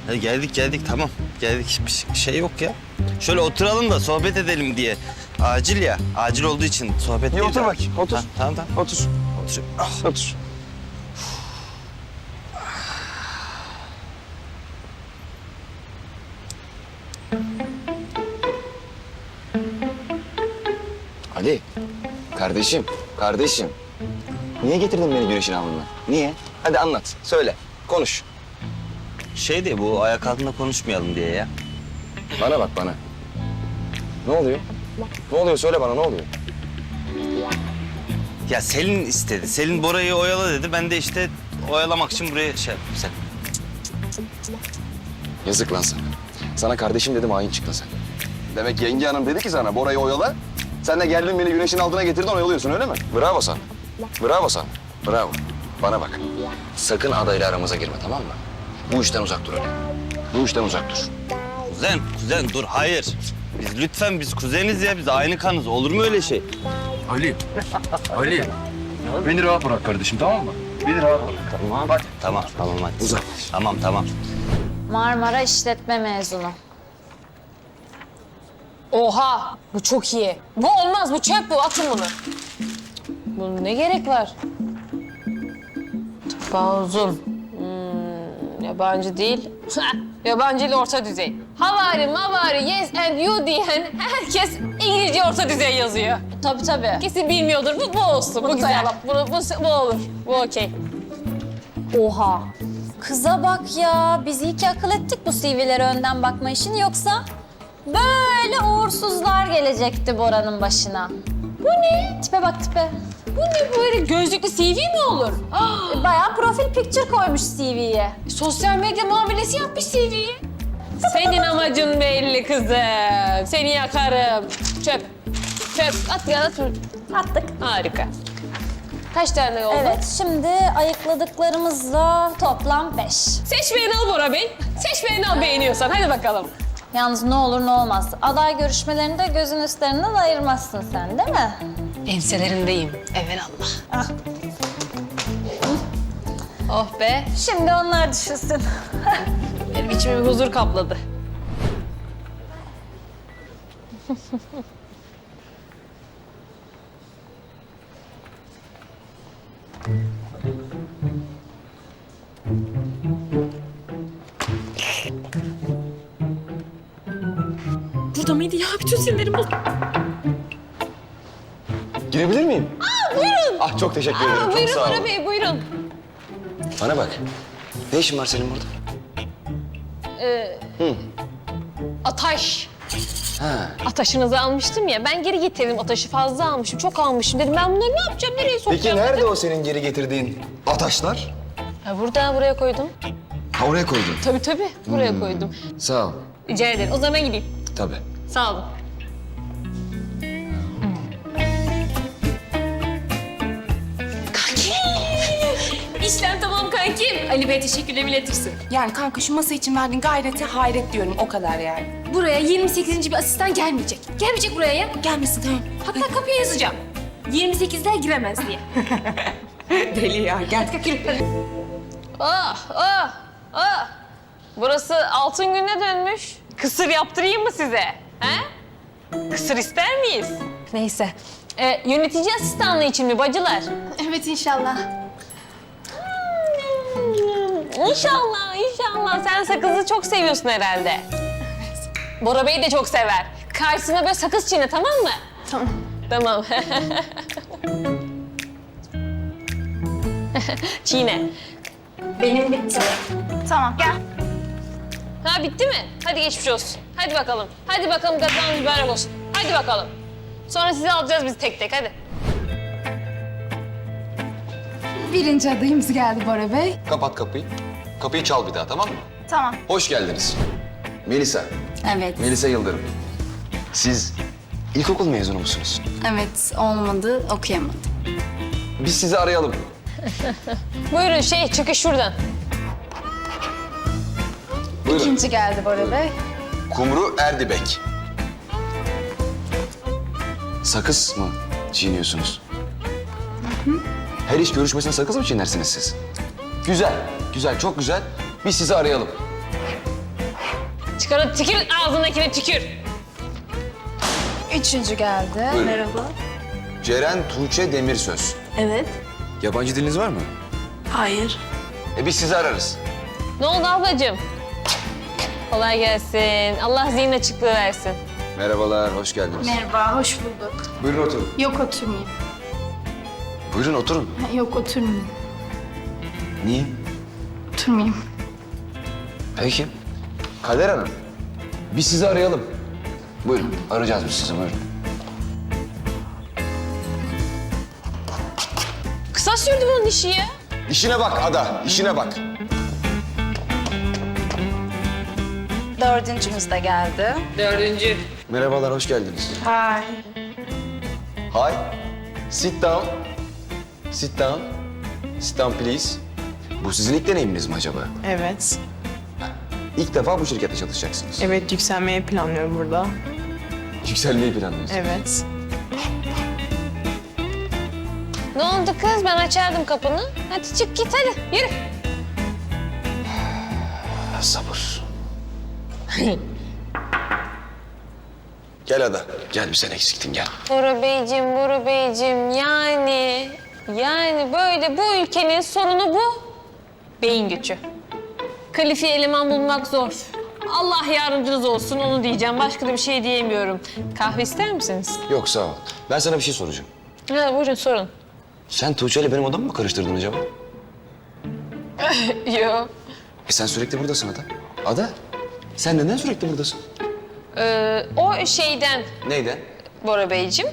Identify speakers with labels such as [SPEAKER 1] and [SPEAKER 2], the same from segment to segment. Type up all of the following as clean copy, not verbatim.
[SPEAKER 1] Hadi geldik tamam. Geldik bir şey yok ya. Şöyle oturalım da sohbet edelim diye. Acil ya. Acil olduğu için sohbet
[SPEAKER 2] İyi
[SPEAKER 1] değil
[SPEAKER 2] otur
[SPEAKER 1] de.
[SPEAKER 2] bakayım, otur.
[SPEAKER 1] Ha, tamam.
[SPEAKER 2] Otur.
[SPEAKER 1] Otur. Ah.
[SPEAKER 2] Otur. Ali, kardeşim. Niye getirdin beni güneşin alnına? Niye? Hadi anlat, söyle, konuş.
[SPEAKER 1] Şey de bu ayak altında konuşmayalım diye ya.
[SPEAKER 2] Bana bak bana. Ne oluyor? Ne oluyor? Söyle bana, ne oluyor?
[SPEAKER 1] Ya Selin istedi. Selin Bora'yı oyala dedi. Ben de işte oyalamak için buraya şey yaptım sen.
[SPEAKER 2] Yazık lan sana. Sana kardeşim dedim, hain çıktın sen. Demek yenge hanım dedi ki sana, Bora'yı oyala. Sen de geldin beni güneşin altına getirdin, oyalıyorsun öyle mi? Bravo sana. Bravo sana. Bravo. Bana bak. Sakın adayla aramıza girme, tamam mı? Bu işten uzak dur Ali. Bu işten uzak dur.
[SPEAKER 1] Kuzen dur hayır. Biz kuzeniz ya. Biz aynı kanız. Olur mu öyle şey?
[SPEAKER 3] Ali. Ali. Beni rahat bırak kardeşim, tamam mı? Beni rahat bırak.
[SPEAKER 1] Tamam. Hadi. Tamam hadi.
[SPEAKER 2] Uzak.
[SPEAKER 1] Tamam.
[SPEAKER 4] Marmara İşletme mezunu.
[SPEAKER 5] Oha! Bu çok iyi. Bu olmaz, bu çöp bu. Atın bunu. Bunun ne gerek var? Tıpa uzun. Yabancı değil. Yabancı ile orta düzey. Havari, mavari, yes and you diyen herkes İngilizce orta düzey yazıyor.
[SPEAKER 4] Tabii.
[SPEAKER 5] Kesin bilmiyordur. Bu olsun. Bu güzel. Bu olur. Bu okey.
[SPEAKER 4] Oha. Kıza bak ya. Biz iyi ki akıl ettik bu CV'lere önden bakma işini. Yoksa böyle uğursuzlar gelecekti Bora'nın başına.
[SPEAKER 5] Bu ne?
[SPEAKER 4] Tipe bak tipe.
[SPEAKER 5] Bu ne böyle gözlüklü CV mi olur?
[SPEAKER 4] Bayağı profil picture koymuş CV'ye.
[SPEAKER 5] Sosyal medya muamelesi yapmış CV'yi. Senin amacın belli kızım. Seni yakarım. Çöp. At ya at.
[SPEAKER 4] Attık.
[SPEAKER 5] Harika. Kaç tane oldu?
[SPEAKER 4] Evet, şimdi ayıkladıklarımızla toplam 5.
[SPEAKER 5] Seç beğeni al Bora Bey. Seç beğeni al beğeniyorsan. Hadi bakalım.
[SPEAKER 4] Yalnız ne olur ne olmaz. Aday görüşmelerinde gözün üstlerinden ayırmazsın sen, değil mi?
[SPEAKER 5] Enselerindeyim. Evelallah.
[SPEAKER 4] Ah.
[SPEAKER 5] Oh be.
[SPEAKER 4] Şimdi onlar düşünsün.
[SPEAKER 5] Benim içimi bir huzur kapladı. Burada mıydı ya? Bütün sinirlerim bozuldu.
[SPEAKER 2] Girebilir miyim?
[SPEAKER 5] Buyurun.
[SPEAKER 2] Ah çok teşekkür ederim. Çok
[SPEAKER 5] Buyurun
[SPEAKER 2] sağ ol.
[SPEAKER 5] Bora Bey, buyurun.
[SPEAKER 2] Bana bak. Ne işin var senin burada?
[SPEAKER 5] Ataş.
[SPEAKER 2] Ha.
[SPEAKER 5] Ataşınızı almıştım ya. Ben geri getirdim ataşı. Fazla almışım. Çok almışım. Dedim ben bunları ne yapacağım? Nereye sokacağım?
[SPEAKER 2] Peki nerede
[SPEAKER 5] dedim.
[SPEAKER 2] o senin geri getirdiğin ataşlar?
[SPEAKER 5] Ha, buraya koydum.
[SPEAKER 2] Ha oraya koydun.
[SPEAKER 5] Tabii. Buraya koydum.
[SPEAKER 2] Sağ ol.
[SPEAKER 5] Rica ederim. O zaman ben gideyim.
[SPEAKER 2] Tabii.
[SPEAKER 5] Sağ olun. Kankim! İşlem tamam kankim. Ali Bey teşekkürlerimi iletirsin.
[SPEAKER 6] Yani kanka şu masa için verdiğin gayrete hayret diyorum o kadar yani.
[SPEAKER 5] Buraya 28. bir asistan gelmeyecek. Gelmeyecek buraya ya.
[SPEAKER 6] Gelmesin tamam.
[SPEAKER 5] Hatta kapıya yazacağım. 28'ler giremez diye.
[SPEAKER 6] Deli ya gel.
[SPEAKER 5] Ah. Burası altın gününe dönmüş. Kısır yaptırayım mı size? He? Kısır ister miyiz? Neyse. Yönetici asistanlığı için mi bacılar?
[SPEAKER 6] Evet inşallah.
[SPEAKER 5] İnşallah. Sen sakızı çok seviyorsun herhalde. Bora Bey de çok sever. Karşısına böyle sakız çiğne, tamam mı? Tamam. Çiğne.
[SPEAKER 4] Benim bitti. Tamam, gel.
[SPEAKER 5] Ha bitti mi? Hadi geçmiş olsun. Hadi bakalım kazanız mübarek olsun. Hadi bakalım. Sonra sizi alacağız biz tek tek hadi.
[SPEAKER 6] Birinci adayımız geldi Bora Bey.
[SPEAKER 2] Kapat kapıyı. Kapıyı çal bir daha, tamam mı?
[SPEAKER 4] Tamam.
[SPEAKER 2] Hoş geldiniz. Melisa.
[SPEAKER 6] Evet.
[SPEAKER 2] Melisa Yıldırım. Siz ilkokul mezunu musunuz?
[SPEAKER 6] Evet olmadı okuyamadım.
[SPEAKER 2] Biz sizi arayalım.
[SPEAKER 5] Buyurun çıkış şuradan.
[SPEAKER 2] Buyurun.
[SPEAKER 6] İkinci geldi Bora Bey.
[SPEAKER 2] Kumru Erdibek. Sakız mı çiğniyorsunuz? Her iş görüşmesine sakız mı çiğnersiniz siz? Güzel, çok güzel. Biz sizi arayalım.
[SPEAKER 5] Çıkar o tükür ağzındakine tükür.
[SPEAKER 6] Üçüncü geldi.
[SPEAKER 2] Buyurun.
[SPEAKER 6] Merhaba.
[SPEAKER 2] Ceren Tuğçe Demirsöz.
[SPEAKER 6] Evet.
[SPEAKER 2] Yabancı diliniz var mı?
[SPEAKER 6] Hayır.
[SPEAKER 2] Biz sizi ararız.
[SPEAKER 5] Ne oldu ablacığım? Kolay gelsin. Allah zihin açıklığı versin.
[SPEAKER 2] Merhabalar, hoş geldiniz.
[SPEAKER 6] Merhaba, hoş bulduk.
[SPEAKER 2] Buyurun oturun.
[SPEAKER 6] Yok oturmayayım.
[SPEAKER 2] Buyurun oturun.
[SPEAKER 6] Yok oturmayayım.
[SPEAKER 2] Niye?
[SPEAKER 6] Oturmayayım.
[SPEAKER 2] Peki. Kader Hanım, biz sizi arayalım. Buyurun, arayacağız biz sizi, buyurun.
[SPEAKER 5] Kısa sürdü bunun işi ya.
[SPEAKER 2] İşine bak Ada, işine bak.
[SPEAKER 6] Dördüncümüz de geldi.
[SPEAKER 5] Dördüncü.
[SPEAKER 2] Merhabalar, hoş geldiniz.
[SPEAKER 6] Hi.
[SPEAKER 2] Hi. Sit down. Sit down. Sit down please. Bu sizin ilk deneyiminiz mi acaba?
[SPEAKER 7] Evet.
[SPEAKER 2] İlk defa bu şirkette çalışacaksınız.
[SPEAKER 7] Evet, yükselmeyi planlıyorum burada.
[SPEAKER 2] Yükselmeyi planlıyorsunuz.
[SPEAKER 7] Evet.
[SPEAKER 5] Ne oldu kız? Ben açardım kapını. Hadi çık git hadi. Yürü.
[SPEAKER 2] Sabır. Gel Ada. Gel, bir sen eksiktin, gel.
[SPEAKER 5] Bora Beyciğim yani böyle bu ülkenin sorunu bu. Beyin göçü. Kalifiye eleman bulmak zor. Allah yardımcınız olsun onu diyeceğim. Başka da bir şey diyemiyorum. Kahve ister misiniz?
[SPEAKER 2] Yok, sağ ol. Ben sana bir şey soracağım.
[SPEAKER 5] Ha, buyurun sorun.
[SPEAKER 2] Sen Tuğçe ile benim odamı mı karıştırdın acaba?
[SPEAKER 5] Yok.
[SPEAKER 2] Sen sürekli buradasın Ada. Ada, sen neden sürekli buradasın?
[SPEAKER 5] O şeyden
[SPEAKER 2] Neyden?
[SPEAKER 5] Bora Beyciğim.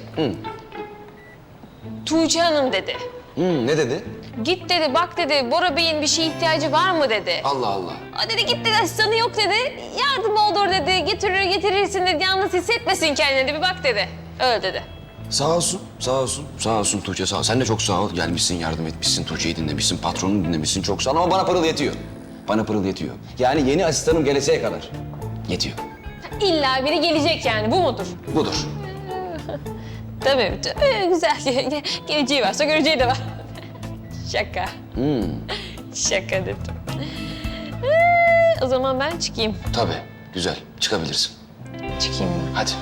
[SPEAKER 5] Tuğçe Hanım dedi.
[SPEAKER 2] Ne dedi?
[SPEAKER 5] Git dedi, bak dedi, Bora Bey'in bir şeye ihtiyacı var mı dedi.
[SPEAKER 2] Allah Allah.
[SPEAKER 5] O dedi git dedi, asistanı yok dedi. Yardım olur dedi, getirirsin dedi. Yalnız hissetmesin kendini, bir bak dedi. Öyle dedi.
[SPEAKER 2] Sağ olsun, sağ olsun. Sağ olsun Tuğçe, sağ ol. Sen de çok sağ ol. Gelmişsin, yardım etmişsin, Tuğçe'yi dinlemişsin, patronunu dinlemişsin. Çok sağ ol ama bana pırıl yetiyor. Bana pırıl yetiyor. Yani yeni asistanım geleseye kadar yetiyor.
[SPEAKER 5] İlla biri gelecek yani, bu mudur?
[SPEAKER 2] Budur.
[SPEAKER 5] Tabii, güzel. Geleceği varsa göreceği de var. Şaka. Şaka dedim. O zaman ben çıkayım.
[SPEAKER 2] Tabii, güzel. Çıkabilirsin.
[SPEAKER 5] Çıkayım ben.
[SPEAKER 2] Hadi.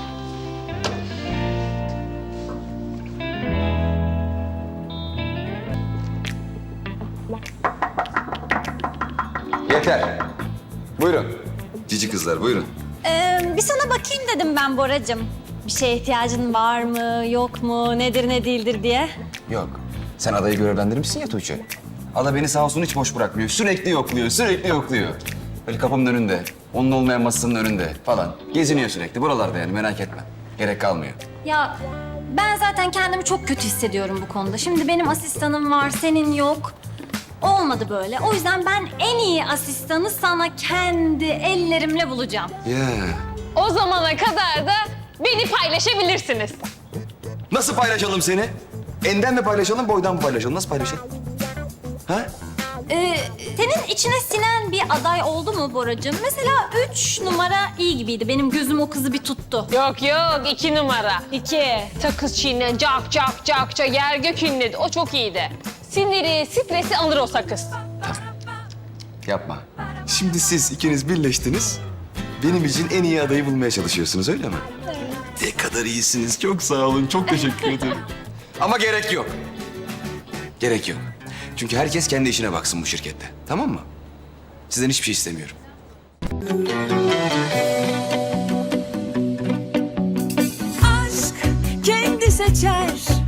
[SPEAKER 2] Yeter. Buyurun. Cici kızlar, buyurun.
[SPEAKER 4] Bir sana bakayım dedim ben Boracığım. Bir şeye ihtiyacın var mı, yok mu, nedir ne değildir diye.
[SPEAKER 2] Yok. Sen adayı görevlendirmişsin ya Tuğçe. Ada beni sağ olsun hiç boş bırakmıyor. Sürekli yokluyor, sürekli yokluyor. Böyle kapımın önünde, onun olmayan masasının önünde falan. Geziniyor sürekli buralarda yani, merak etme. Gerek kalmıyor.
[SPEAKER 4] Ya ben zaten kendimi çok kötü hissediyorum bu konuda. Şimdi benim asistanım var, senin yok. Olmadı böyle. O yüzden ben en iyi asistanı sana kendi ellerimle bulacağım.
[SPEAKER 2] Ya.
[SPEAKER 5] O zamana kadar da beni paylaşabilirsiniz.
[SPEAKER 2] Nasıl paylaşalım seni? Enden mi paylaşalım, boydan mı paylaşalım? Nasıl paylaşalım? Ha?
[SPEAKER 4] Senin içine sinen bir aday oldu mu Boracığım? Mesela 3 numara iyi gibiydi. Benim gözüm o kızı bir tuttu.
[SPEAKER 5] Yok yok, 2 numara.
[SPEAKER 4] 2.
[SPEAKER 5] Sakız çiğne, cak yer gök inledi. O çok iyiydi. Siniri, stresi alır o sakız.
[SPEAKER 2] Yapma. Şimdi siz ikiniz birleştiniz. Benim için en iyi adayı bulmaya çalışıyorsunuz, öyle mi? Ne kadar iyisiniz. Çok sağ olun. Çok teşekkür ederim. Ama gerek yok. Gerek yok. Çünkü herkes kendi işine baksın bu şirkette. Tamam mı? Sizden hiçbir şey istemiyorum.
[SPEAKER 8] Aşk kendi seçer